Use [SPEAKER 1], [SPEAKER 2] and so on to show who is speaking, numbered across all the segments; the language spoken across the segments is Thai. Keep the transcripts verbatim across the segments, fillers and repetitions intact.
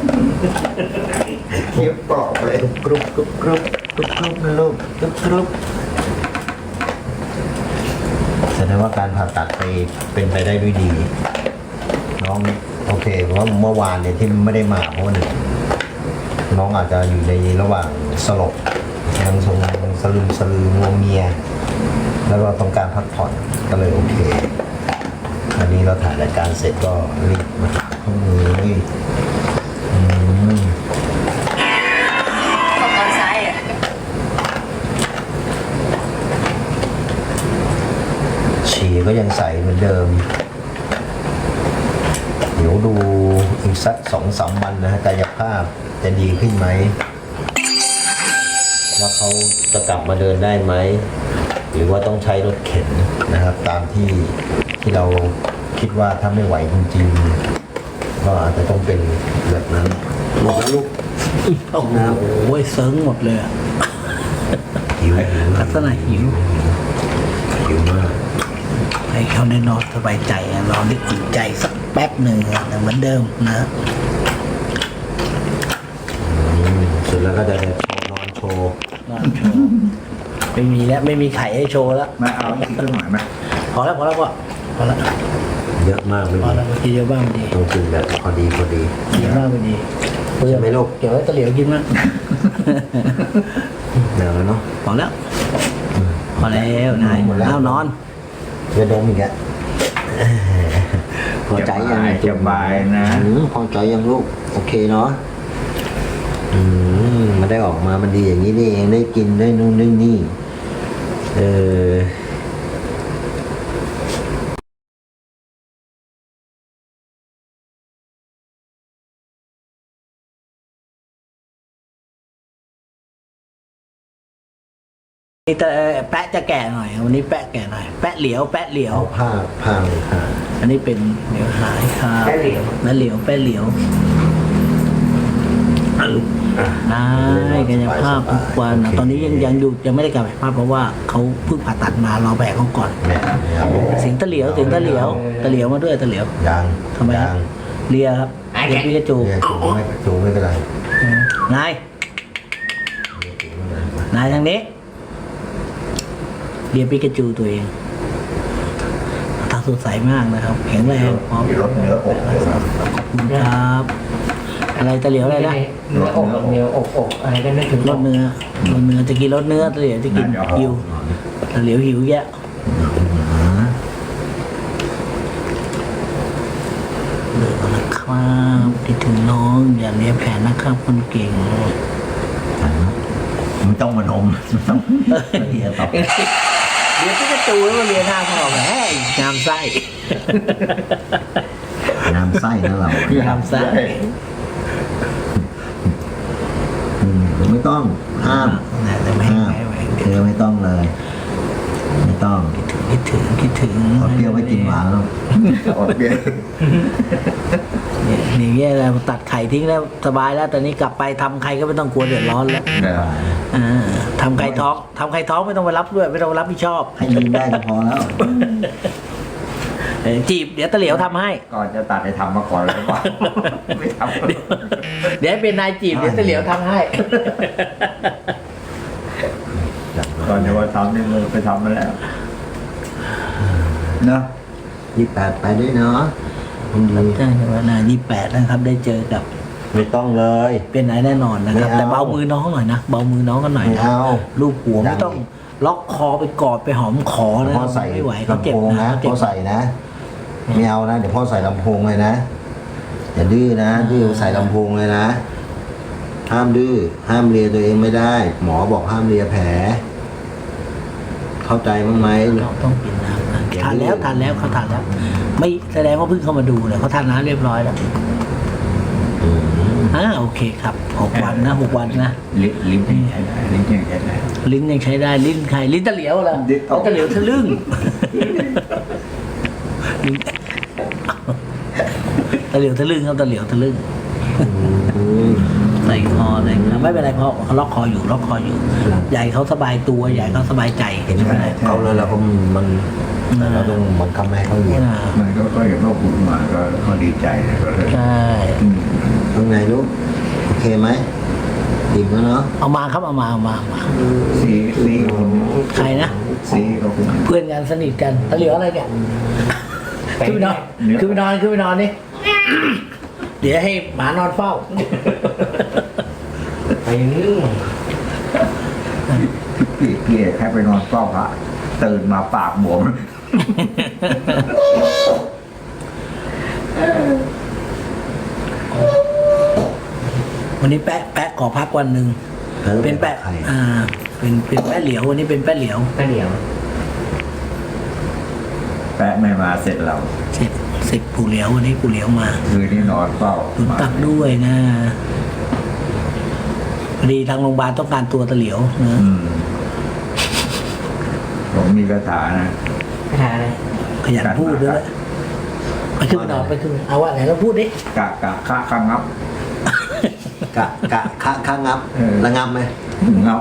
[SPEAKER 1] เคี้ยวกรอบเลยกรุบกรุบกรุบกรุบกรุบนะลูกกรุบกรุบแสดงว่าการผ่าตัดไปเป็นไปได้ด้วยดีน้องโอเคเพราะว่าเมื่อวานเนี่ยที่ไม่ได้มาเพราะว่าหนึ่งน้องอาจจะอยู่ในระหว่างสลบยังทรงสลืมสลืองัวเมียแล้วก็ต้องการพักผ่อนก็เลยโอเคอันนี้เราถ่ายรายการเสร็จก็รีบมาหาข้อมือนี่อืม
[SPEAKER 2] เข้าตอนซ้ายอ่ะ
[SPEAKER 1] ฉี่ก็ยังใสเหมือนเดิมเดี๋ยวดูอีกสักสองสามวันนะฮะกายภาพจะดีขึ้นไหมว่าเขาจะกลับมาเดินได้ไหมหรือว่าต้องใช้รถเข็นนะครับ ตามที่ที่เราคิดว่าถ้าไม่ไหวจริงๆก็อาจจะต้องเป็นแบบนั้นหมดแล้วลูก
[SPEAKER 3] โอ้โหเซิร์งหมดเลยอะ
[SPEAKER 1] หิวหิว
[SPEAKER 3] ลักษณะหิว
[SPEAKER 1] หิวมาก
[SPEAKER 3] ให้เขาได้นอนสบายใจอะนอนได้อิ่มใจสักแป๊บหนึ่งอะเหมือนเดิมนะ
[SPEAKER 1] อืมเสร็จแล้วก็จะโชว์นอนโชว์
[SPEAKER 3] นอนโชว์ไม่มีแล้วไม่มีไข่ให้โชว์แล้ว
[SPEAKER 4] มาเอาอีกสักหน่อยไหม
[SPEAKER 3] พอแล้วพอแล้วก็พอแล้ว
[SPEAKER 1] เยอะมากไม่
[SPEAKER 3] พอ
[SPEAKER 1] ดี
[SPEAKER 3] แล้วกินเยอะบ้างดี
[SPEAKER 1] ต้องกินแบบพอดีพอดี
[SPEAKER 3] เยอะบ้างดี
[SPEAKER 1] ใช่ไหมลูก
[SPEAKER 3] เกี่ยวไว้ตะเหลียวกินมั้ง
[SPEAKER 1] เดี๋ยวแล้วเนาะ
[SPEAKER 3] พอแล้วพอแล้วนาย
[SPEAKER 1] หมดแล้ว
[SPEAKER 3] เอานอน
[SPEAKER 1] จะดมอีกอะพอใจยัง
[SPEAKER 4] สบายนะ
[SPEAKER 1] อืมพอใจยังลูกโอเคเนาะอืมมาได้ออกมามันดีอย่างนี้นี่เองได้กินได้นู่นได้นี่เออ
[SPEAKER 3] นี่แต่แปะจะแก่หน่อยวันนี้แปะแก่หน่อยแปะเหลียวแปะเหลียว
[SPEAKER 1] เอาผ้าผ้าเลยค่ะ
[SPEAKER 3] อันนี้เป็นเหลียวหายครับ
[SPEAKER 2] แปะเหลียว
[SPEAKER 3] แปะเหลียวแปะเหลียวได้กายภาพทุกวันนะตอนนี้ยังยังอยู่ยังไม่ได้กลับไปภาพเพราะว่าเขาเพิ่งผ่าตัดมารอแบกเขาก่อน
[SPEAKER 1] เนี่ยเนี่ยเอา
[SPEAKER 3] เสียงตะเหลียวเสียงตะเหลียวตะเหลียวมาด้วยตะเหลียว
[SPEAKER 1] ยัง
[SPEAKER 3] ทำไมค
[SPEAKER 1] ยั
[SPEAKER 3] รับ
[SPEAKER 1] ง
[SPEAKER 3] เลียครับเลียพิกาจู
[SPEAKER 1] เรียกจูไม่จูไม่เป็นไร
[SPEAKER 3] นายนายทางนี้เลียพิกาจูตัวเองตาสดใสมากนะครับแข็งแรงพร้อม
[SPEAKER 1] มีรสเนื้ออกเลยนะ
[SPEAKER 3] ขอบคุณครับ อะไรตะเหลียวอะไรนะ
[SPEAKER 2] เนื้ออกเนื้ออกอกอะไรก็นึกถึง
[SPEAKER 3] รสเนื้อรสเนื้อจะกินรสเนื้อตะเหลียวจะกินหิวตะเหลียวหิวแยะเหลือนะครับคิดถึงน้องอย่าเลี้ยงแผนนะครับคนเก่ง
[SPEAKER 1] มันต้องมานมมันต้องเรียนต่อ
[SPEAKER 3] เลี้ยงพิกาจูแล้วมาเลี้ยงหน้าพ่อแหมงามไส้
[SPEAKER 1] น้ำไส้นะเรา
[SPEAKER 3] งามไส้
[SPEAKER 1] อืมไม่ต้องห้าม
[SPEAKER 3] นะแต่ไม่
[SPEAKER 1] ห้าม
[SPEAKER 3] ไม่ไม่
[SPEAKER 1] เธอไม่ต้องเลย ไม่ต้อง
[SPEAKER 3] คิดถึงคิดถึง
[SPEAKER 1] เอาเปรี้ยวไม่กินหวานหรอก
[SPEAKER 4] โอเค
[SPEAKER 3] เนี่ยนี่แย่แล้วตัดไข่ทิ้งแล้วสบายแล้วตอนนี้กลับไปทำใครก็ไม่ต้องกลัวเดือดร้อนแล้ว
[SPEAKER 4] เดี๋ยว
[SPEAKER 3] อ่าทำไข่ท้องทำไข่ท้องไม่ต้องไปรับด้วยไม่ต้องไปรับผิดชอบ
[SPEAKER 1] ให้ยืนได้ก็พอแล้ว
[SPEAKER 3] เออจีบเดี๋ยวตะเหลียวทำให้
[SPEAKER 4] ก่อนจะตัดให้ทำมาก่อนเลยว่าไม่ทำ
[SPEAKER 3] เดี๋ยวให้เป็นนายจีบเดี๋ยวตะเหลียวทำให้
[SPEAKER 4] ก่อนจะว่าทำนี่มือไปทำมาแล้วเนาะ
[SPEAKER 1] ยี่แปดไปด้วยเนาะคุณดี
[SPEAKER 3] ใช่ครับนายี่แปดนะครับ ได้เจอกับ
[SPEAKER 1] ไม่ต้องเลย
[SPEAKER 3] เป็นนายแน่นอนนะครับ
[SPEAKER 1] ไม่เอา
[SPEAKER 3] แต่เบามือน้องหน่อยนะเบามือน้องกันหน่อย
[SPEAKER 1] ไม่
[SPEAKER 3] นะ
[SPEAKER 1] เอา
[SPEAKER 3] ลูกหัว
[SPEAKER 1] ดั
[SPEAKER 3] ไม่
[SPEAKER 1] ง
[SPEAKER 3] ต้องล็อกคอไปกอดไปหอมขอนะ
[SPEAKER 1] พ่อใส่
[SPEAKER 3] ไม่ไหวเขา
[SPEAKER 1] ลำ
[SPEAKER 3] เจ็บ
[SPEAKER 1] โพง
[SPEAKER 3] นะ
[SPEAKER 1] นะ
[SPEAKER 3] เขาเจ็บ
[SPEAKER 1] พ่อใส่นะไม่เอานะเดี๋ยวพ่อใส่ลำโพงเลยนะอย่าดื้อนะดื้อใส่ลำโพงเลยนะห้ามดื้อห้ามเลียตัวเองไม่ได้ หมอบอกห้ามเลียแผล เข้าใจมั้งไหม
[SPEAKER 3] เราต้องกินน้ำนะ
[SPEAKER 1] เดี๋ยว
[SPEAKER 3] ทานแล้วทานแล้วเขาทานแล้ว ไม่แสดงว่าเพิ่งเข้ามาดูเลยเขาทานน้ำเรียบร้อยแล้ว
[SPEAKER 1] อืม
[SPEAKER 3] อ่าโอเคครับหกวันนะหกวันนะ
[SPEAKER 4] ลิ้นลิ้นยังใช้ได้ลิ้นยังใช้ได้
[SPEAKER 3] ลิ้นยังใช้ได้ลิ้นใครลิ้นตะเหลียวเหรอ
[SPEAKER 4] ลิ้นตะ
[SPEAKER 3] ตะเหลียวทะลึ่งลิ้นตะเหลียวทะลึ่งครับตะเหลียวทะลึ่ง
[SPEAKER 1] อืม
[SPEAKER 3] ใส่คอใส่ครับไม่เป็นไรเพราะเขาล็อกคออยู่ล็อกคออยู่ใหญ่เขาสบายตัวใหญ่เขาสบายใจ
[SPEAKER 1] เห็นไหม
[SPEAKER 3] ไม่เป็นไร
[SPEAKER 1] เอาเลยแล้วก็มันแต่เราต้องบังคับไม่ให้เขาอยู่
[SPEAKER 3] อ่า
[SPEAKER 4] มันก็ก็เห็นว่าคุณมาก็ก็ดีใจนะก็เลย
[SPEAKER 3] ใช่
[SPEAKER 4] อืม
[SPEAKER 1] ตรงไหนลูกโอเคไหมอิ่มแล้วเนาะ
[SPEAKER 3] เอามาครับเอามาเอามาเอามา
[SPEAKER 4] ซีซีคน
[SPEAKER 3] ใครนะ
[SPEAKER 4] ซีก็คุณ
[SPEAKER 3] เพื่อนกันสนิทกันตะเหลียวอะไรเนี่ยขึ้นไปนอนขึ้นไปนอนขึ้นไปนอนนี่ เดี๋ยวให้หมานอนเฝ้า
[SPEAKER 2] ไปนึ่ง
[SPEAKER 4] พี่พี่แค่ไปนอนเฝ้าพระตื่นมาปากบวม
[SPEAKER 3] วันนี้แปะแปะขอพักวันหนึ่งเป็นแปะ
[SPEAKER 1] ใคร
[SPEAKER 3] อ่า เป็นเป็นแปะเหลียววันนี้เป็นแปะเหลียว
[SPEAKER 2] ก็เดี๋ยว
[SPEAKER 4] แปะไม่มาเสร็จเรา
[SPEAKER 3] เสร็จเสร็จปู่เหลียววันนี้ปู่เหลียวมา
[SPEAKER 4] คืนนี้นอนเฝ้า
[SPEAKER 3] ตุนตักด้วยนะพอดีทางโรงพยาบาลต้องการตัวตะเหลียวนะ
[SPEAKER 4] อืมผมมีคาถานะ
[SPEAKER 2] คาถาอะไร
[SPEAKER 3] ขยันพูดด้วยไปขึ้นไปนอนไปขึ้นเอาว่าไหนเราพูดดิ
[SPEAKER 4] กะกะคะคะงับ
[SPEAKER 1] กะกะข้าข้างับ
[SPEAKER 4] เออ
[SPEAKER 1] ระงับไหม
[SPEAKER 4] งับ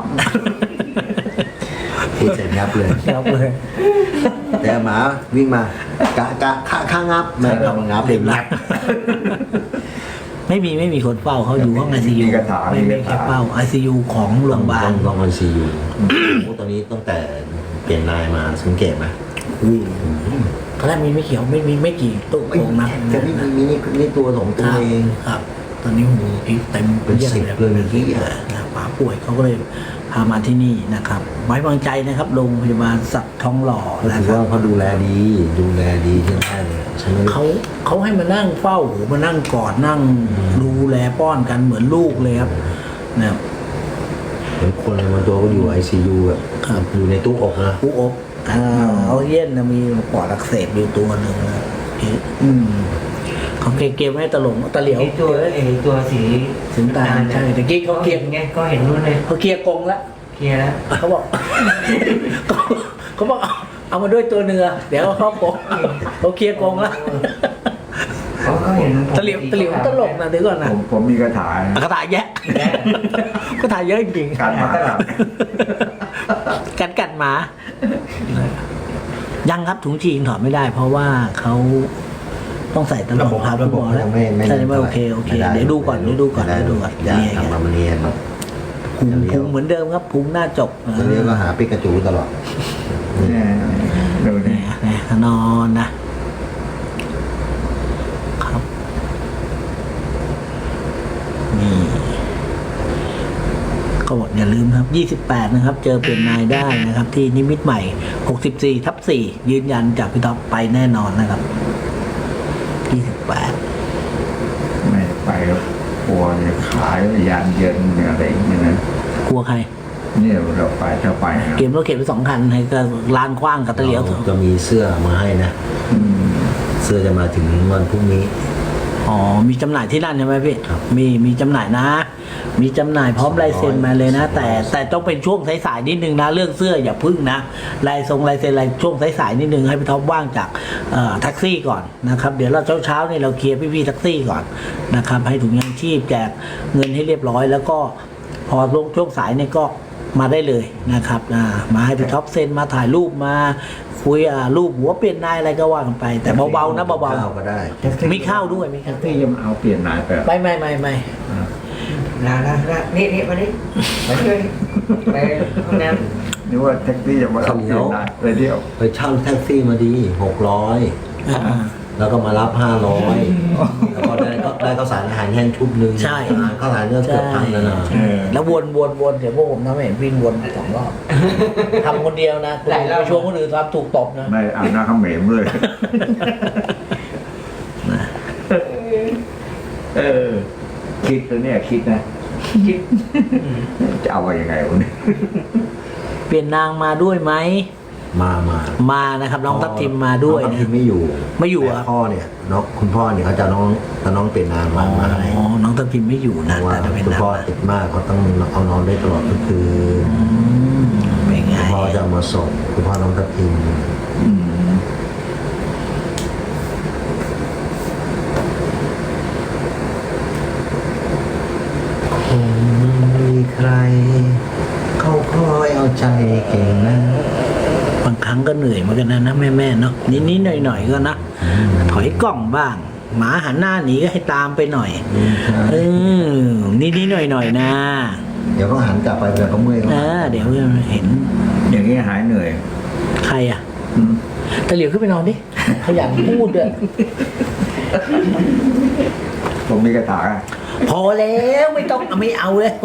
[SPEAKER 1] พูดเสร็จงับเลย
[SPEAKER 3] ครับเลย
[SPEAKER 1] แต่หมาวิ่งมากะกะข้าข้างับแม่ก็มางับเด็กงับ
[SPEAKER 3] ไม่มีไม่มีคนเฝ้าเขาอยู่ห้องไอซียู
[SPEAKER 4] มีคาถา
[SPEAKER 3] ไม่
[SPEAKER 4] มี
[SPEAKER 3] ไม่
[SPEAKER 4] คา
[SPEAKER 3] แค่
[SPEAKER 4] ถา
[SPEAKER 3] เฝ้าไอซียูของโรงพยาบาล
[SPEAKER 1] ต้องต้องคอนซีอยู่โอ้ตอนนี้ตั้งแต่เปลี่ยนนายมาสังเกตไหม
[SPEAKER 3] ตอนแรกมีไม่เขียวไม่มีไม่กี่ตู้ตรงนะ
[SPEAKER 1] แต่นี่มีนี่นี่ตัวสองตัวเอง
[SPEAKER 3] ครับ ตอนนี้โอ้โหอีกเต็ม
[SPEAKER 1] เป็นสิบเลย
[SPEAKER 3] ที่นะป๋าป่วยเขาก็เลยพามาที่นี่นะครับ ไว้วางใจนะครับโรงพยาบาลสัตว์ทองหล่อ
[SPEAKER 1] ก็
[SPEAKER 3] นะ
[SPEAKER 1] ถือ
[SPEAKER 3] ครั
[SPEAKER 1] ว่า
[SPEAKER 3] บ
[SPEAKER 1] เขาดูแลดี ดูแลดีใช่ไหมเลยใช่ไหม
[SPEAKER 3] เขาเขาให้มานั่งเฝ้าหรือมานั่งกอดนั่งดูแลป้อนกันเหมือนลูกเลยครับนะครับ
[SPEAKER 1] เหมือนคนเลยบางตัวก็อยู่ไอซียูแบบ
[SPEAKER 3] ครับ
[SPEAKER 1] อยู่ในตู้อกนะ
[SPEAKER 3] ผู้อบอ่าเขาเย็นนะมีปอดอักเสบอยู่ตัวหนึ่งนะอืมเขาเกมๆให้ตลกตะเหลียว
[SPEAKER 2] ไอตัวไอตัวสี
[SPEAKER 3] สีน้ำตาลใช่ตะกี้เขาเกลียด
[SPEAKER 2] ไงก็เห็นนู่นเลย
[SPEAKER 3] เขาเคลียร์กรงแล้ว
[SPEAKER 2] เคลียร์แล้ว
[SPEAKER 3] เขาบอก เขาเขาบอกเอาเอามาด้วยตัวเนื้อเดี๋ยวเขาบอกเขาเคลียร์กรงแล้ว
[SPEAKER 2] เขาก็เห็น
[SPEAKER 3] ตะเหลียวตะเหลียวตลกนะเดี๋ยวก่อนนะ
[SPEAKER 4] ผมผมมีคาถานะ
[SPEAKER 3] กระถายแยะกระถายเยอะจริงๆ
[SPEAKER 4] การหมากัด
[SPEAKER 3] กัดกัดหมา ยังครับถุงฉี่ยังถอดไม่ได้ เพราะว่าเขาต้องใส่ตลอดครับ
[SPEAKER 1] ระบบ
[SPEAKER 3] คุณหมอ
[SPEAKER 1] เขา
[SPEAKER 3] แล้ว
[SPEAKER 1] จะไม่ไม่
[SPEAKER 3] ใช่ไหมโอเคโอเค
[SPEAKER 1] ไม่ไ
[SPEAKER 3] เดี๋ยวดูก่อนเดี๋ยวดูก่อน
[SPEAKER 1] ไม่
[SPEAKER 3] เดี๋ยวดูก่อน
[SPEAKER 1] อย่า
[SPEAKER 3] นี่ไง
[SPEAKER 1] ทำมาเนียน
[SPEAKER 3] พุงพุงเหมือนเดิมครับพุงหน้าจก
[SPEAKER 1] ตอนนี้ก็หาปิกาจูตลอด
[SPEAKER 4] เนี่ยดู
[SPEAKER 3] นี่
[SPEAKER 4] นี่
[SPEAKER 3] นี่นอนนะครับนี่ก็บอกอย่าลืมครับยี่สิบแปดนะครับ เจอเปลี่ยนนายได้นะครับ ที่นิมิตใหม่หกสิบสี่ทับสี่ยืนยันจากพี่ท็อปไปแน่นอนนะครับยี่สิบแปด
[SPEAKER 4] ไม่ไปแล้วกลัวจะขายยานเย็นอะไรอย่างเงี้ยนะ
[SPEAKER 3] กลัวใคร
[SPEAKER 4] เนี่ยเราไปถ้าไปนะ
[SPEAKER 3] เกมรถเข็นไปสองคันให้ก็ลานกว้างกับตะเหลียว
[SPEAKER 1] จะมีเสื้อมาให้นะ
[SPEAKER 4] อืม
[SPEAKER 1] เสื้อจะมาถึงวันพรุ่งนี้
[SPEAKER 3] อ๋อมีจำหน่ายที่นั่นใช่ไหมพี่
[SPEAKER 1] ครับ
[SPEAKER 3] มีมีจำหน่ายนะ มีจำหน่ายพร้อมลายเซ็นมาเลยนะ แต่แต่ต้องเป็นช่วงสายๆนิดนึงนะเรื่องเสื้ออย่าพึ่งนะลายทรงลายเซ็นลายช่วงสายๆนิดนึงให้พี่ท็อปว่างจากเอ่อแท็กซี่ก่อนนะครับเดี๋ยวเราเช้าๆนี่เราเคลียร์พี่ๆแท็กซี่ก่อนนะครับให้ถุงยางชีพแจกเงินให้เรียบร้อย แล้วก็พอลงช่วงสายนี่ก็มาได้เลยนะครับอ่ามาให้พี่ท็อปเซ็นมาถ่ายรูปมาคุยอ่ารูปหัวเปลี่ยนนายอะไรก็ว่ากันไป แต่เบาๆนะเบา
[SPEAKER 1] ข้าวก็ได้
[SPEAKER 3] ๆมีข้าวด้วยมีข้าว
[SPEAKER 4] ที่ยังเอาเปลี่ยนนายไป
[SPEAKER 3] ไม่ไม่ไม่ไม่
[SPEAKER 2] ลาลาลานี่นี่มานี่มาช่วยไปห้องน้
[SPEAKER 4] นึกว่าแท็กซี่จะมาเอาเปลี่ยนนายเลยเดียว
[SPEAKER 1] ไปเช่าแท็กซี่มาดีหกร้อยแล้วก็มารับห้าร้อยแล้วก็ได้ก็ได้ข้าวสารอาหารแห้งชุดหนึ่ง
[SPEAKER 3] ใช่
[SPEAKER 1] ข้าวสารก็เกือบพันแล้วนะ
[SPEAKER 4] เออ
[SPEAKER 3] แล้ววนวนวนเดี๋ยวพวกผมทำให้เห็นวิ่งวนสองรอบทำคนเดียวนะหลายรอบช่วงคนอื่นทำถูกตบนะ
[SPEAKER 4] ไม่อาบน้ำข้าเหม็มเลย เออ คิดตัวเนี่ยคิดนะ คิด จะเอาไว้ยังไงวะเนี่ย
[SPEAKER 3] เปลี่ยนนางมาด้วยไหม
[SPEAKER 1] มามา
[SPEAKER 3] มานะครับน้องทัพทิมมาด้วย
[SPEAKER 1] น้องทัพ
[SPEAKER 3] นะ
[SPEAKER 1] ทิมไม่อยู่
[SPEAKER 3] ไม่อยู่
[SPEAKER 1] แต่
[SPEAKER 3] อ่ะ
[SPEAKER 1] พ่อเนี่ยน้องคุณพ่อเนี่ยเขาจะน้องจะน้องเป็นนาง
[SPEAKER 3] อ๋
[SPEAKER 1] มามาให้
[SPEAKER 3] อน้องทัพทิมไม่อยู่
[SPEAKER 1] เพ
[SPEAKER 3] นะ
[SPEAKER 1] ราะว่า
[SPEAKER 3] แต่จะเป็น
[SPEAKER 1] คุณ
[SPEAKER 3] นาง
[SPEAKER 1] พ่อติดมากเขาต้องเอานอนได้ตลอดก็คือ
[SPEAKER 3] อืมเป็นไง
[SPEAKER 1] คุณพ่อจะเอามาส่งคุณพ่อน้องทัพทิม
[SPEAKER 4] อืม
[SPEAKER 1] คงมีใคร เขาคอยเอาใจเก่งนะ
[SPEAKER 3] บางครั้งก็เหนื่อยเหมือนกันนะนะแม่แม่ๆเนาะนิดๆหน่อยๆก็นะถอยกล้องบ้าง หมาหันหน้าหนีก็ให้ตามไปหน่อยเออนิดๆหน่อยๆนะ
[SPEAKER 1] เดี๋ยวก็หันกลับไปเดี๋ยวก็เมื่อย
[SPEAKER 3] เออเดี๋ยวเห็น
[SPEAKER 4] อย่างนี้หายเหนื่อย
[SPEAKER 3] ใครอ่ะ
[SPEAKER 4] อืม
[SPEAKER 3] ตะเหลียวขึ้นไปนอนดิขยันพูดด้วย
[SPEAKER 4] ผมมีกระถางอะ
[SPEAKER 3] พอแล้วไม่ต้องไม่เอาแล้ว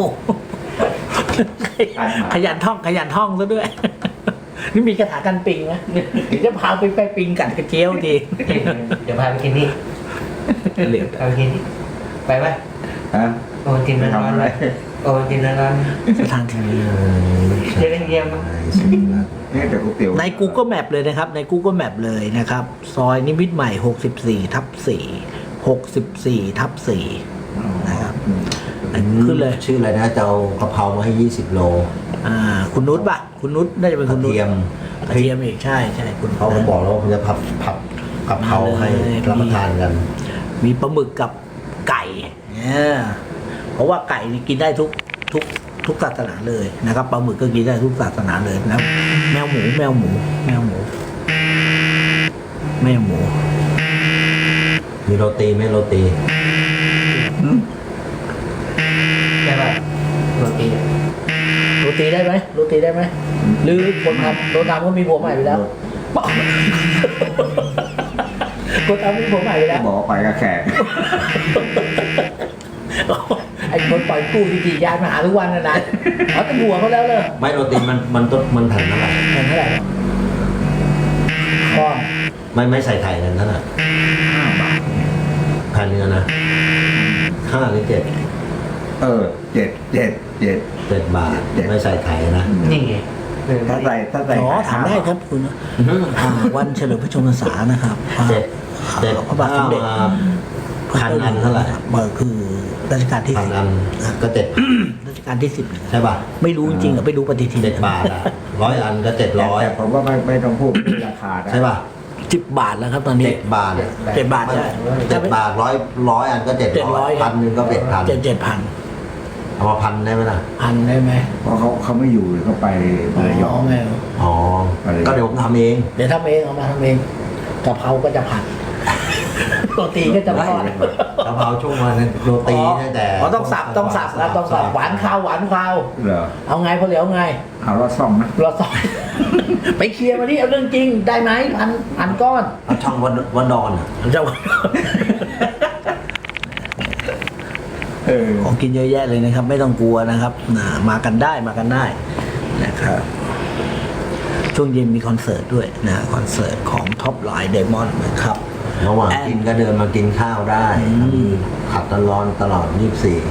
[SPEAKER 3] ขยันท่องขยันท่องซะด้วย นี่มีคาถากันปิงไหมเดี๋ยวจะพาไปไปปิงกัดกระเจียวที
[SPEAKER 2] เดี๋ยวพาไปกินนี่
[SPEAKER 3] เหลียว
[SPEAKER 2] พาไปกินนี่ไปไหม
[SPEAKER 4] ฮะ
[SPEAKER 2] โอ้กินร้อน
[SPEAKER 4] ทำอะไร
[SPEAKER 2] ๆโอ้กินร้อน
[SPEAKER 3] สถานที่
[SPEAKER 2] ๆเดี๋ยวเยี่ยมมั้ง
[SPEAKER 4] นี่แต่ก๋วยเตี๋ยว
[SPEAKER 3] ใน Google Map เลยนะครับ ใน Google Map เลยนะครับ ซอยนิมิตรใหม่ หกสิบสี่ทับสี่ หกสิบสี่ทับสี่ นะครับ ขึ้นเลย
[SPEAKER 1] ชื่ออะไรนะจะเอากะเพรามาให้ยี่สิบโล
[SPEAKER 3] อ่า คุณนุชป่ะ คุณนุชน่าจะเป็น
[SPEAKER 1] ก
[SPEAKER 3] คุ
[SPEAKER 1] ระ
[SPEAKER 3] ณนุช
[SPEAKER 1] เทียม
[SPEAKER 3] กระเทียมอีกใช่ใช่คุณ
[SPEAKER 1] เขาผมบอกแล้วว่าผมจะผัดผัดกะเพราให้รับประทานกัน
[SPEAKER 3] มีปลาหมึกกับไก่เนี่ยเพราะว่าไก่นี่กินได้ทุกทุกทุกศาสนาเลยนะครับปลาหมึกก็กินได้ทุกศาสนาเลยนะแมวหมูแมวหมู แมวหมู แมวหมู
[SPEAKER 1] มีโรตีไหมโรตี
[SPEAKER 2] ใช่ป่ะโรตี
[SPEAKER 3] โรตีได้ไหมโรตีได้ไหมหรือคนทำคนทำก็มีผัวใหม่ไปแล้วคนทำมีผัวใหม่ไปแล้ว
[SPEAKER 4] บอกว่าไปกับแขก
[SPEAKER 3] ไอ้คนปล่อยกู้ที่จียานมาหาทุกวันนะนะเขาเป็นหัวเขาแล้วเลย
[SPEAKER 1] ไม่โรตีมันมันต้นมันแผ่นเท่าไหร่
[SPEAKER 3] เงินเท่าไหร่ก้อน
[SPEAKER 1] ไม่ไม่ใส่ไข่กันนั่นน่ะ
[SPEAKER 4] ห้าบาท
[SPEAKER 1] แผ่นเนื้อนะห้าหรือเจ็ด
[SPEAKER 4] เออเจ็ดเจ็ดเจ็ด
[SPEAKER 1] เจ็ดบาทไม่ใส่ไข่นะ
[SPEAKER 2] นี่ไงเออ
[SPEAKER 4] ถ้าใส่ถ้าใส่
[SPEAKER 3] อ๋อถามได้ครับคุณอ่าวันเฉลิมพระชนมพรรษานะครับอ่า
[SPEAKER 1] เจ็ดเจ็ด
[SPEAKER 3] พระบาทสมเด็จ
[SPEAKER 1] ห้าพันอันเท่าไหร่
[SPEAKER 3] เบอร์คือรัชกาลที่
[SPEAKER 1] พัน
[SPEAKER 3] สิบ
[SPEAKER 1] อันก็เจ็ด
[SPEAKER 3] รัชกาลที่สิบ
[SPEAKER 1] ใช่ป่ะ
[SPEAKER 3] ไม่รู้จริงๆอ่ะไม่รู้ปฏิทิน
[SPEAKER 1] เจ็ดบาทอ่ะร้อยอันก็เจ็ดร้อย
[SPEAKER 4] แต่ผมว่าไม่ไม่ต้องพูดราคานะ
[SPEAKER 1] ใช่ป่ะ
[SPEAKER 3] สิบบาทแล้วครับตอนนี้
[SPEAKER 1] เจ็ดบาทอะ
[SPEAKER 3] เจ็ดบาทใช่
[SPEAKER 1] เจ็ดบาทร้อยร้อยอันก็เจ็ด
[SPEAKER 3] เจ็ด
[SPEAKER 1] ร้
[SPEAKER 3] ร้
[SPEAKER 1] อ
[SPEAKER 3] อย ย
[SPEAKER 1] พันหนึ่งก็เจ็ดพัน
[SPEAKER 3] เจ็ดเจ็ดพัน
[SPEAKER 1] เอามาพันได้ไหมล่ะ
[SPEAKER 3] พันได้ไหม
[SPEAKER 4] เพราะเขาเขาไม่อยู่เขาไประย
[SPEAKER 3] อ๋
[SPEAKER 4] อ
[SPEAKER 3] อง ไม่เอา
[SPEAKER 1] อ๋อ
[SPEAKER 4] อะไร
[SPEAKER 1] ก็เดี๋ยวผมทำเอง
[SPEAKER 3] เดี๋ยวทำเองเอามาทำเองกะเพราก็จะผัดโรตีก็จะทอด
[SPEAKER 1] กะเพราช่วงวันนั้นโรตีตั้งแต่
[SPEAKER 3] อ๋อต้องสับต้องสับแล้วต้องสับหวานข้าวหวานข้าว
[SPEAKER 4] เหรอ
[SPEAKER 3] เอาไงพอเหลียวไง
[SPEAKER 4] เอารอดซ่อมนะ
[SPEAKER 3] เราสอน ไปเคลียร์มาดิเอาเรื่องจริงได้ไหมพันพันก้อน
[SPEAKER 1] เอาช่องวันวันดอนอะ
[SPEAKER 3] เจ้า
[SPEAKER 4] เออ
[SPEAKER 3] ของกินเยอะแยะเลยนะครับ ไม่ต้องกลัวนะครับนะมากันได้มากันได้นะครับช่วงเย็นมีคอนเสิร์ตด้วยนะคอนเสิร์ตของท็อปไลน์เดมอนนะครับ
[SPEAKER 1] ระหว่างกินก็เดินมากินข้าวได้
[SPEAKER 3] อืม
[SPEAKER 1] ขัดตลอดตลอดยี่สิบสี่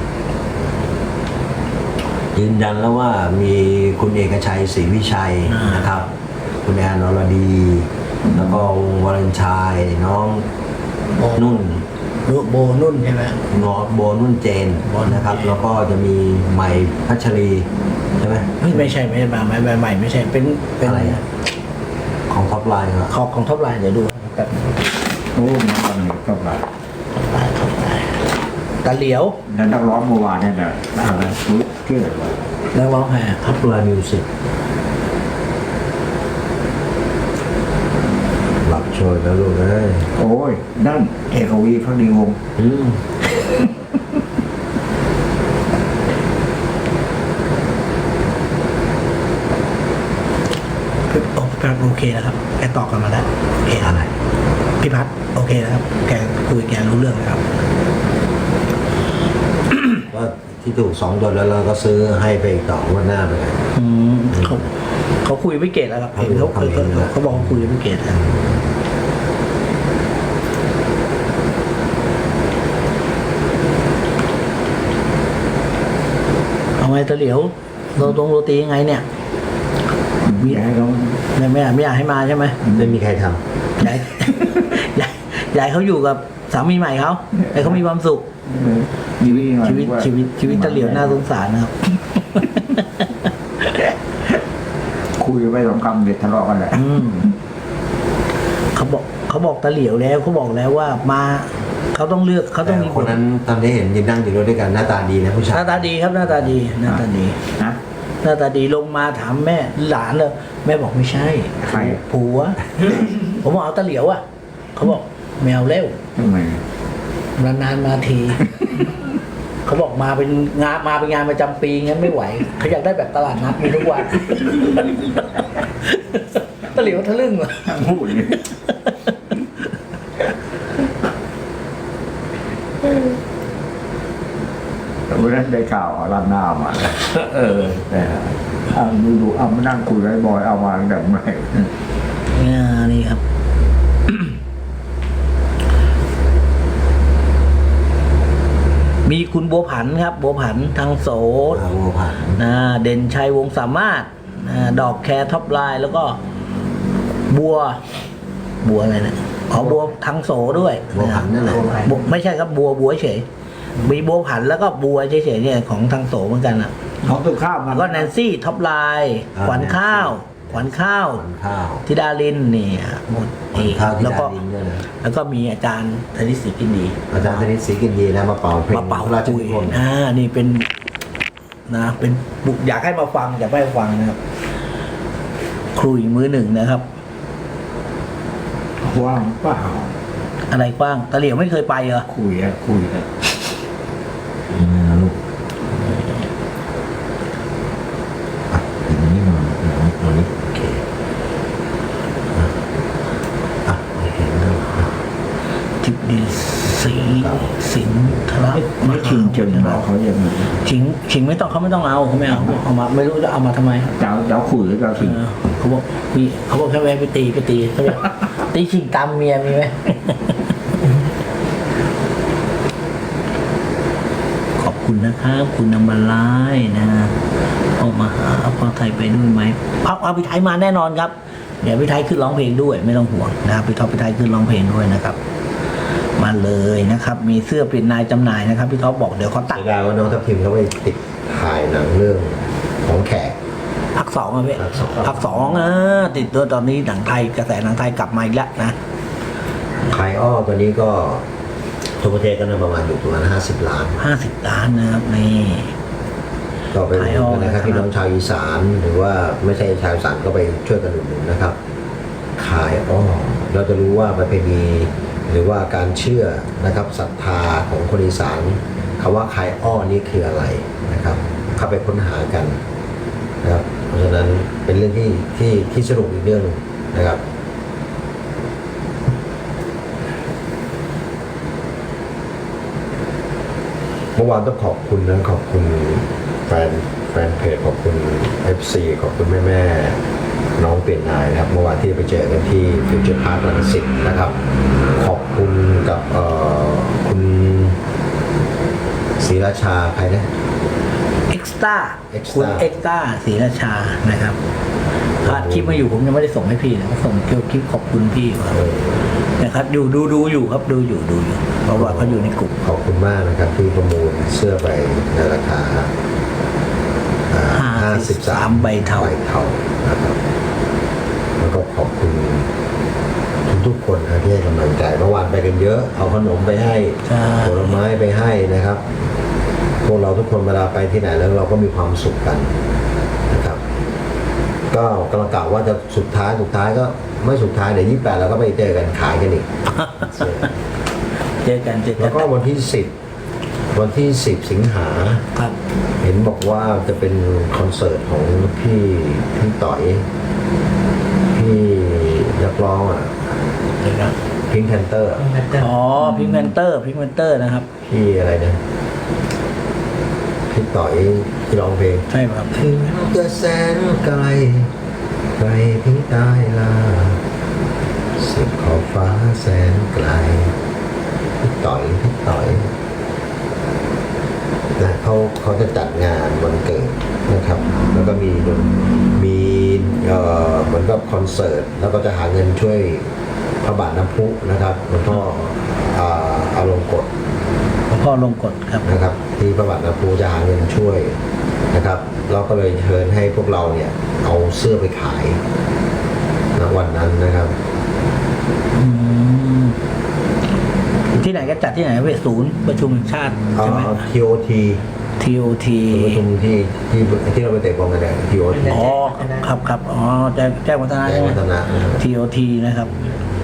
[SPEAKER 1] ยืนยันแล้วว่ามีคุณเอกชัยศรีวิชัยนะครับ คุณแอนอรดี แล้วก็วงวาเลนไชน์น้อง
[SPEAKER 3] โบ
[SPEAKER 1] นุ่น
[SPEAKER 3] โบนุ่นใช่ไหม
[SPEAKER 1] งอโบนุ่นเจนนะครับ แล้วก็จะมีใหม่พัชรีใช่ไหม
[SPEAKER 3] ไม่ไม่ใช่ไม่ใช่มาไม่ไม่ไม่ไม่ใช่เป็นเป็น
[SPEAKER 1] อะไรอะ ของท็อปไลน์ครับ
[SPEAKER 3] ขอบของท็อปไลน์เดี๋ยวดูแบบ
[SPEAKER 4] โอ้มันตอนนี้ก็แบบ
[SPEAKER 3] ท็อปไลน์ท็อปไลน์ตะเหลียว
[SPEAKER 4] แล้วนักร้องเมื่อวานเนี่ยนะอะไรรู้ชื่ออะไรวะ
[SPEAKER 3] แล้วร้องไง
[SPEAKER 1] ท็อปไลน์มิวสิกหลับโชยแล้วลูกเอ้ย
[SPEAKER 4] โอ้ยนั่นเอกวีพักดีวงศ์
[SPEAKER 1] อืม
[SPEAKER 3] โอ้แปลโอเคแล้วครับแกตอบกันมาแล้วโอเคอะไรพี่พัฒน์โอเคแล้วครับแกคุยแกรู้เรื่องแล้วครับ
[SPEAKER 1] ก็ที่ถูกสองตัวแล้วเราก็ซื้อให้ไปอีกต่อวันหน้าไปเลย
[SPEAKER 3] อืมเขาเขาคุยไม่เกตแล้วครับเห็นเขาเขาเขาเขาบอกเขาคุยไม่เกตแล้วเอาไงตะเหลียวเราตรงโรตียังไงเนี่ย
[SPEAKER 4] มีให้เขา
[SPEAKER 3] ไม่ไม่อยากไม่อยากให้มาใช่ไหม
[SPEAKER 1] ไม่มีใครท
[SPEAKER 3] ยาย ยายยายเขาอยู่กับสามีใหม่เขาแต่เขามีความสุข
[SPEAKER 4] มีวิธีหน่อย
[SPEAKER 3] ชีวิต
[SPEAKER 4] ว่า
[SPEAKER 3] ชีวิตชีวิตตะเหลียวน่าสงสารนะครับ
[SPEAKER 4] คุยไปสองคำเด็ดทะเลาะกันแหละ
[SPEAKER 3] อืมเขาบอกเขาบอกตะเหลียวแล้วเขาบอกแล้วว่ามาเขาต้องเลือกเขา
[SPEAKER 1] ำ
[SPEAKER 3] ต้อง
[SPEAKER 1] แต่
[SPEAKER 3] มี
[SPEAKER 1] คนนั้นตอนที่เห็นยืนนั่งอยู่ด้วยกันหน้าตาดีนะผู้
[SPEAKER 3] ห
[SPEAKER 1] ชาย
[SPEAKER 3] น้าตาดีครับหน้าตาดีหน้าตาดี
[SPEAKER 4] นะ
[SPEAKER 3] หน้าตาดีลงมาถามแม่หลานเลยแม่บอกไม่ใช่
[SPEAKER 4] ใคร
[SPEAKER 3] ผัวผมบอกเอาตะเหลียวอ่ะเขาบอกแมวเร็ว
[SPEAKER 4] ทำไม
[SPEAKER 3] นานๆมาที เขาบอกมาเป็นงานมาเป็นงานประจำปีงั้นไม่ไหวเขาอยากได้แบบตลาดนัดมีทุกวัน ตะเหลียวทะลึ่งว่ะ
[SPEAKER 4] พูดอย่างนี้วันนั้นได้ข่าวเอาร้านหน้ามาเออแต่เอาดูดูเอามานั่งคุยกับไอ้บอยเอามาตั้งแต่เมื่อไหร่
[SPEAKER 3] อ่านี่ครับ มีคุณบัวผันครับ บัวผันทางโส
[SPEAKER 1] อาวัวผ่าน
[SPEAKER 3] นะเด่นชัยวงศ์สามารถนะดอกแคร์ท็อปไลน์แล้วก็ บัว บัวอะไรนะอ๋อบัวทางโสด้วย
[SPEAKER 1] วัวผ่านนั่นแหละ
[SPEAKER 3] บัวไม่ใช่ครับบัวบัวเฉยมีบัวผันแล้วก็บัวเฉยๆเนี่ยของทางโสเหมือนกันอ่ะ
[SPEAKER 4] ของตัวข้าวมัน
[SPEAKER 3] แล้วก็แนนซี่ท็อปไลน์ขวัญข้าว ขวัญข้าว
[SPEAKER 1] ขวัญข้าว
[SPEAKER 3] ธิดาลินนี่หมด
[SPEAKER 1] ขวัญ
[SPEAKER 3] นี่
[SPEAKER 1] ข้าวที่
[SPEAKER 3] แล้ว
[SPEAKER 1] ดา
[SPEAKER 3] ก็
[SPEAKER 1] ดินด้วยนะ
[SPEAKER 3] แล้วก็มีอาจารย์ธนิตศรีกินดี
[SPEAKER 1] อาจารย์ธนิตศรีกินดีนะมาเป่าเพลง
[SPEAKER 3] มาเป่า
[SPEAKER 1] พระราช
[SPEAKER 3] คุ
[SPEAKER 1] นิ
[SPEAKER 3] ย
[SPEAKER 1] พนธ์
[SPEAKER 3] อ่านี่เป็นนะเป็นบุอยากให้มาฟังอยากให้มาฟังนะครับครูอีกมือหนึ่งนะครับ
[SPEAKER 4] ว่างเปล่า
[SPEAKER 3] อะไรกว้างตะเหลียวไม่เคยไปเหรอ
[SPEAKER 4] คุยอะคุยอะ
[SPEAKER 1] อืมลูกอ่ะอย่างนี้มาอย่างนี้อย่างนี้โอเคอ่ะอ่ะเห็นแล้วอ่ะ
[SPEAKER 3] ทิพดีศรีสินทระ
[SPEAKER 4] ไม่ชิงเจนบอกเขาอย่างนี้
[SPEAKER 3] ชิงชิงไม่ต้องเขาไม่ต้องเอาเขาไม่เอาเอามาไม่รู้จะเอามาทำไม
[SPEAKER 4] เจ้าเจ้าคุยหรือเจ้า
[SPEAKER 3] เอ
[SPEAKER 4] ชิง
[SPEAKER 3] อเขาบอกมีเขาบอกแค่แวะไปตีไปตีเขาบอกตีชิงตามเมียมีไหม ขอบคุณนะครับคุณนำมาไล่นะออกมาหาพ่อไทยไปด้วยไหมพักเอาพี่ไทยมาแน่นอนครับเดี๋ยวพี่ไทยขึ้นร้องเพลงด้วยไม่ต้องห่วงนะครับพี่ท็อปพี่ไทยขึ้นร้องเพลงด้วยนะครับ มาเลยนะครับ มีเสื้อปริ้นนายจำหน่ายนะครับพี่ท็อปบอกเดี๋ยวเขาตัด
[SPEAKER 1] เสียดายว่าน้องทัพทิมเขาไปติดถ่ายหนังเรื่องของแขก
[SPEAKER 3] พักสองอะพี่
[SPEAKER 1] ภาคสอง
[SPEAKER 3] พักสองอ่ะติดตัวตอนนี้หนังไทยกระแสหนังไทยกลับมาอีกแล้วนะ
[SPEAKER 1] ขายอ้อตัวนี้ก็ทั่วประเทศก็น่าประมาณอยู่ประมาณห้าสิบล้าน
[SPEAKER 3] ห้าสิบล้านนะครับนี่
[SPEAKER 1] ก็ไป
[SPEAKER 3] ขายอ้อ
[SPEAKER 1] นะครับ
[SPEAKER 3] นะครับ
[SPEAKER 1] พี่น้องชาวอีสานหรือว่าไม่ใช่ชาวอีสานก็ไปช่วยกันอุดหนุนนะครับ ขายอ้อเราจะรู้ว่าประเพณีหรือว่าการเชื่อนะครับศรัทธาของคนอีสานคำว่าขายอ้อนี่คืออะไรนะครับ เข้าไปค้นหากันนะครับ เพราะฉะนั้นเป็นเรื่องที่ที่ที่สนุกอีกเรื่องหนึ่งนะครับ เมื่อวานต้องขอบคุณนะขอบคุณแฟนแฟนเพจขอบคุณ เอฟ ซี ขอบคุณแม่แม่ๆน้องเปลี่ยนนายนะครับเมื่อวานที่ไปเจอกันที่ฟิวเจอร์พาร์ครังสิตนะครับ ขอบคุณกับเอ่อคุณศรีราชาใครนะ
[SPEAKER 3] เอ็กซ์ต้า
[SPEAKER 1] Extra
[SPEAKER 3] คุณเอ็กซ์ต้าศรีราชานะครับถ้าคลิปมาอยู่ผมยังไม่ได้ส่งให้พี่นะส่งเกี่ยวคลิปขอบคุณพี่ครับ
[SPEAKER 1] เออ
[SPEAKER 3] นะครับอยู่ดูดูอยู่ครับดูอยู่ดูอยู่เพราะว่าเขาอยู่ในกลุ่ม
[SPEAKER 1] ขอบคุณมากนะครับที่ประมูลเสื้อไปในราคาห้าสิบสาม
[SPEAKER 3] ใบเทา
[SPEAKER 1] ใบเทานะครับแล้วก็ขอบคุณทุกๆคนนะที่ให้กำลังใจเมื่อวานไปกันเยอะเอาขนมไปให้
[SPEAKER 3] ใช่
[SPEAKER 1] ผลไม้ไปให้นะครับ พวกเราทุกคนเวลาไปที่ไหนแล้วเราก็มีความสุขกันนะครับ ก็กำลังกล่าวว่าจะสุดท้ายสุดท้ายก็ไม่สุดท้ายเดี๋ยวยี่สิบแปดเราก็ไปเจอกันขายกันอีก
[SPEAKER 3] เจอกันเจอกั
[SPEAKER 1] แล้
[SPEAKER 3] น
[SPEAKER 1] วก็วันที่สิบวันที่สิบสิงหา
[SPEAKER 3] ครับ
[SPEAKER 1] เห็นบอกว่าจะเป็นคอนเสิร์ตของพี่พี่ต่อยพี่นักร้องอ่ะ
[SPEAKER 3] เดี๋ยวนะ
[SPEAKER 1] พิงแพนเตอร์
[SPEAKER 3] อ๋อพิงแพนเตอร์พิงแพนเตอร์นะครับ
[SPEAKER 1] พี่อะไรนะพี่ต่อยที่ร้องเพลง
[SPEAKER 3] ใช่ครับ
[SPEAKER 1] ถึงจะแสนไกลไกลเพียงใต้ลาสุดขอบฟ้าแสนไกลพี่ต่อยพี่ต่อยนะเขาเขาจะจัดงานวันเกิดนะครับ แล้วก็มีดนมีเอ่อเหมือนกับคอนเสิร์ตแล้วก็จะหาเงินช่วยพระบาทน้ำพุนะครับหลวงพ่ออ่าอารมณ์กฎ
[SPEAKER 3] หลวงพ่อลงกฎครับ
[SPEAKER 1] นะครับ ที่พระบาทน้ำพุจะหาเงินช่วยนะครับ เราก็เลยเชิญให้พวกเราเนี่ยเอาเสื้อไปขายณวันนั้นนะครับ
[SPEAKER 3] อืมที่ไหนก็จัดที่ไหนเวทศูนย์ประชุมแห่งชาติใช่ไหม
[SPEAKER 1] ที โอ ที
[SPEAKER 3] ที โอ ที
[SPEAKER 1] ประชุมที่ที่ที่เราไปเตะบอลกันเนี่ย ที โอ ที
[SPEAKER 3] อ๋อครับครับอ๋อแจ้งแจ้งวัฒนะ
[SPEAKER 1] แจ้
[SPEAKER 3] ใช่
[SPEAKER 1] ง
[SPEAKER 3] ไหม
[SPEAKER 1] วัฒนะนะครับ
[SPEAKER 3] ที โอ ที นะครับ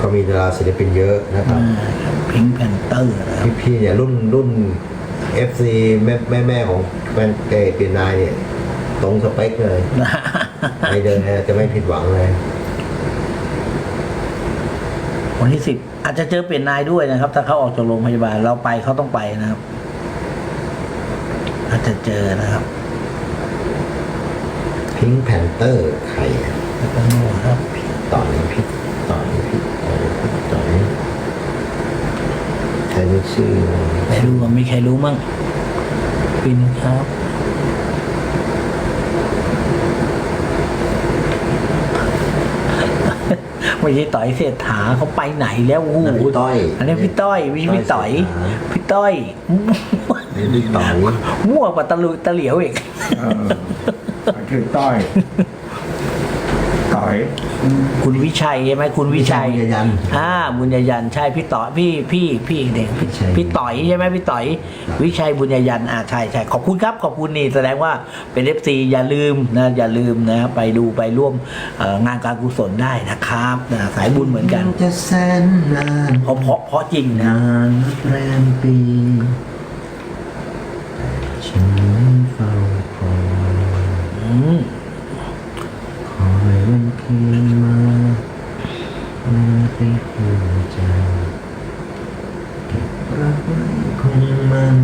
[SPEAKER 1] ก็มีดาราศิลปินเยอะนะครับ
[SPEAKER 3] พิงแพนเตอร์นะครับ
[SPEAKER 1] พี่พี่เนี่ยรุ่นรุ่น เอฟ ซี แม่แม่แม่ของแฟนเกย์เป็นนายเนี่ยตรงสเปคเลยไม่เดินเนี่ยจะไม่ผิดหวังเลย
[SPEAKER 3] วันที่สิบอาจจะเจอเปลี่ยนนายด้วยนะครับ ถ้าเขาออกจากโรงพยาบาลเราไปเขาต้องไปนะครับ อาจจะเจอนะครับ
[SPEAKER 1] พิงแพนเตอร์ใครอะ
[SPEAKER 3] แล้วก็โน่ครับ
[SPEAKER 1] ต่อยพี่ต่อยพี่ต่อยพี่ต่อยใครไม่ชื่อ
[SPEAKER 3] ไม่รู้ว่ามีใครรู้มั่งปินครับ ไม่ใช่ต่อยเศรษฐาเขาไปไหนแล้วโอ้โห
[SPEAKER 1] นั่นพี่ต้อย
[SPEAKER 3] อันนี้พี่ต้อยวิพี่ต่อย พี่ต้อย
[SPEAKER 1] นี่พี่ต่อย
[SPEAKER 3] มั่วกว่าตะลุตะเหลียวอีก
[SPEAKER 4] เออชื่อต้อยต่อย
[SPEAKER 3] คุณวิชัยใช่ไหมคุณวิชัย
[SPEAKER 1] บุญญยันต์
[SPEAKER 3] อ่าบุญญยันต์ใช่พี่ต่อพี่พี่พี่เด็กพี่
[SPEAKER 1] วิชัย
[SPEAKER 3] พี่ต่อยใช่ไหมพี่ต่อย วิชัยบุญญยันต์อ่าใช่ใช่ขอบคุณครับขอบคุณนี่แสดงว่าเป็นเอฟซีอย่าลืมนะอย่าลืมนะไปดูไปร่วมเอ่องานการกุศลได้นะครับนะสายบุญเหมือนกัน
[SPEAKER 1] จะแสนนาน
[SPEAKER 3] เพราะเพราะเพราะจริงนะ
[SPEAKER 1] นานแรมปีฉันเฝ้าคอย
[SPEAKER 3] อืม
[SPEAKER 1] คอยวันคืนมามาติดหัวใจเก็บรักไว้คงมัน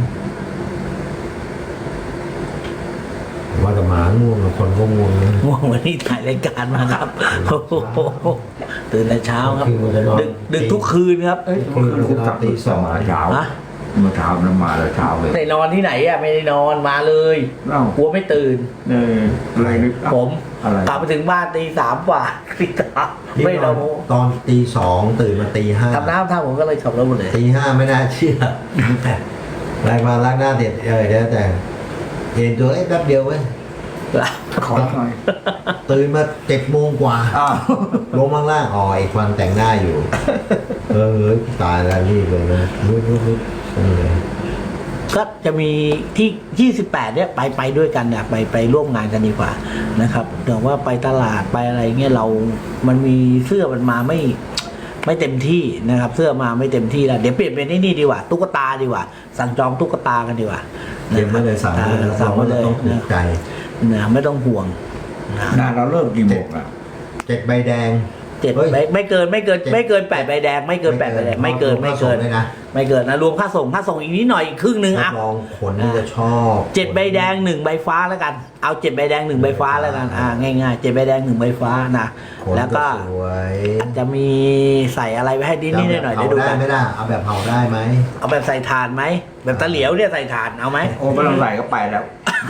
[SPEAKER 1] ว่าแต่หมาง่วงกับคนก็ง่วงนะ
[SPEAKER 3] ง่วงวันนี้ถ่ายรายการมาครับโอ้โหตื่นแต่เช้าครับ ดึกดึกทุกคืนครับ
[SPEAKER 4] เอ้ยเมื่อคืนคุกตับตีสองมาเช้า
[SPEAKER 3] ฮะ
[SPEAKER 4] เมื่อเช้านั้นมาแล้วเช้าเลย
[SPEAKER 3] ไม่นอนที่ไหนอ่ะไม่ได้นอนมาเลย
[SPEAKER 4] เอ้าก
[SPEAKER 3] ลัวไม่ตื่น
[SPEAKER 4] เอออะไรนึก
[SPEAKER 3] ผม
[SPEAKER 4] อะไร
[SPEAKER 3] กลับไปถึงบ้านตีสามกว่าตีสามไม่นอน
[SPEAKER 1] ตอนตีสองตื่นมาตีห้า
[SPEAKER 3] ทำน้ำท่าผมก็เลยขับรถหมดเลย
[SPEAKER 1] ตีห้าไม่น่าเชื่อแรงมาล้างหน้าเด็ดเออเดี๋ยวแต่เห็นตัวเอ้ยแป๊บเดียวเว้ย
[SPEAKER 4] ขอหน่อย
[SPEAKER 1] ตื่นมาเจ็ดโมงกว่า
[SPEAKER 4] อ้าว
[SPEAKER 1] ลงข้างล่างอ๋ออีกวันแต่งหน้าอยู่ เออเฮ้ยตายแล้วรีบเลยนะรุดรุดรุดเลย
[SPEAKER 3] ก็จะมีที่ยี่สิบแปดเนี่ยไปไปด้วยกันนะไปไปร่วมงานกันดีกว่านะครับแต่ว่าไปตลาดไปอะไรเงี้ยเรา มันมีเสื้อมันมาไม่ไม่เต็มที่นะครับ เสื้อมาไม่เต็มที่แล้วเดี๋ยวเปลี่ยนเป็นไอ้นี่ดีกว่าตุ๊กตาดีกว่า สั่งจองตุ๊กตากันดีกว่า
[SPEAKER 1] เดี๋ยวไม่เลยสั่งไม่เลย
[SPEAKER 3] สั่งมาเลย
[SPEAKER 1] ต้องถูกใจ
[SPEAKER 3] นะไม่ต้องห่วงนะ
[SPEAKER 4] งานเราเริ่มกี่โมงอ่ะ
[SPEAKER 1] เจ็ดใบแดง
[SPEAKER 3] เจ็ด
[SPEAKER 1] เฮ้ย
[SPEAKER 3] ไม่ไม่เกินไม่เกิน
[SPEAKER 1] เจ็ด
[SPEAKER 3] ไม่เกินแปดใบแดงไม่เกินแปดใบแดงไม่เกินไม่เกิน
[SPEAKER 1] รวค่าส่งด้วยนะ
[SPEAKER 3] ไม่เกินนะรวมค่าส่งค่าส่งอีกนิดหน่อยอีกครึ่งหนึ่ง
[SPEAKER 1] รั
[SPEAKER 3] อ่ะ
[SPEAKER 1] บรองขนนี่จะชอบ
[SPEAKER 3] เจ็ดใบแดงหนึ่งใบฟ้าแล้วกัน เอาเจ็ดใบแดงหนึ่งใบฟ้าแล้วกันอ่าง่ายๆเจ็ดใบแดงหนึ่งใบฟ้านะ
[SPEAKER 1] ขน
[SPEAKER 3] แล้วก็
[SPEAKER 1] สวย
[SPEAKER 3] อาจจะมีใส่อะไรไว้ให้นิดนิดหน่อยหน่อยๆ
[SPEAKER 1] เอา
[SPEAKER 3] เดี๋ยวดู
[SPEAKER 1] ได้
[SPEAKER 3] กัน
[SPEAKER 1] ไหมล่ะเอาแบบเผาได้ไหม
[SPEAKER 3] เอาแบบใส่ถ่านไหมแบบตะเหลียวเนี่ยใส่ถ่านเอาไหม
[SPEAKER 4] โอ้ไม่ต้องใส่ก็ไปแล้ว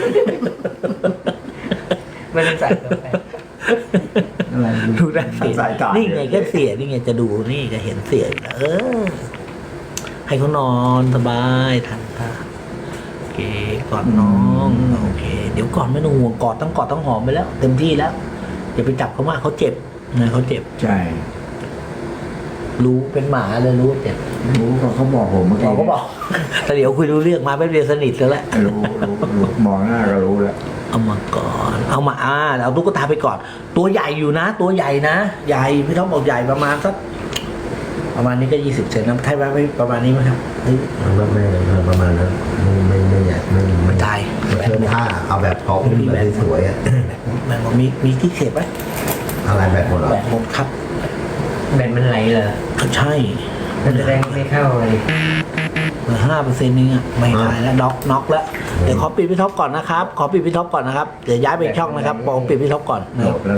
[SPEAKER 3] ไม่ได้ใส่ก็ไป
[SPEAKER 4] อะไร
[SPEAKER 3] ดูได้เสีย
[SPEAKER 4] ใส่ถ่าน
[SPEAKER 3] นี่ไงก็เสียนี่ไงจะดูนี่ก็เห็นเสียอยู่แล้วเออ ให้เขานอนสบายทันท่าโอเคกอดน้องโอเค เดี๋ยวก่อนไม่ต้องห่วงกอดต้องกอดต้องหอมไปแล้ว เต็มที่แล้วอย่าไปจับเขามากเขาเจ็บนะเขาเจ็บ
[SPEAKER 4] ใช่
[SPEAKER 3] รู้เป็นหมาเลยรู้ว่าเจ็บ
[SPEAKER 4] รู้ก็เขาบอกผมเมื่อกี้
[SPEAKER 3] เราก็บอก แต่เดี๋ยวคุยรู้เรื่องมาไม่เรียนสนิทแล้วแหละ
[SPEAKER 4] รู้รู้รู้มองหน้าก็รู้แล้ว
[SPEAKER 3] เอามาก่อนเอามาอ่าเอาตุ๊กตาไปก่อน ตัวใหญ่อยู่นะ ตัวใหญ่นะใหญ่พี่ท็อปบอกใหญ่ประมาณสักประมาณนี้ก็ยี่สิบเซนนะใช่ไหมไม่ประมาณนี้ไหมครับเฮ้ย
[SPEAKER 1] ไม่ไม่ไม่ประมาณนั้นไม่ไม่ไม่ใหญ่ไม่ไม่
[SPEAKER 3] ไม่ได้
[SPEAKER 1] เชิญท่าเอาแบบพออุ้มแบบสวยๆอ่ะ
[SPEAKER 3] แม่บอกมีมีที่เสียบไหม
[SPEAKER 1] อะไรแบบหมดเหรอ
[SPEAKER 3] แบตหมดครับ
[SPEAKER 2] แบนมันไหลเหรอ
[SPEAKER 3] ใช่
[SPEAKER 2] มันแสดงไม่เข้าเลย
[SPEAKER 3] เหลือห้าเปอร์เซ็นต์นึงอ่ะไม่ขายแล้วน็อกน็อกแล้วเดี๋ยวขอปิดพี่ท็อปก่อนนะครับขอปิดพี่ท็อปก่อนนะครับเดี๋ยวย้ายไปอีกช่องนะครับผมปิดพี่ท็อปก่อนนะครับ
[SPEAKER 1] แล้ว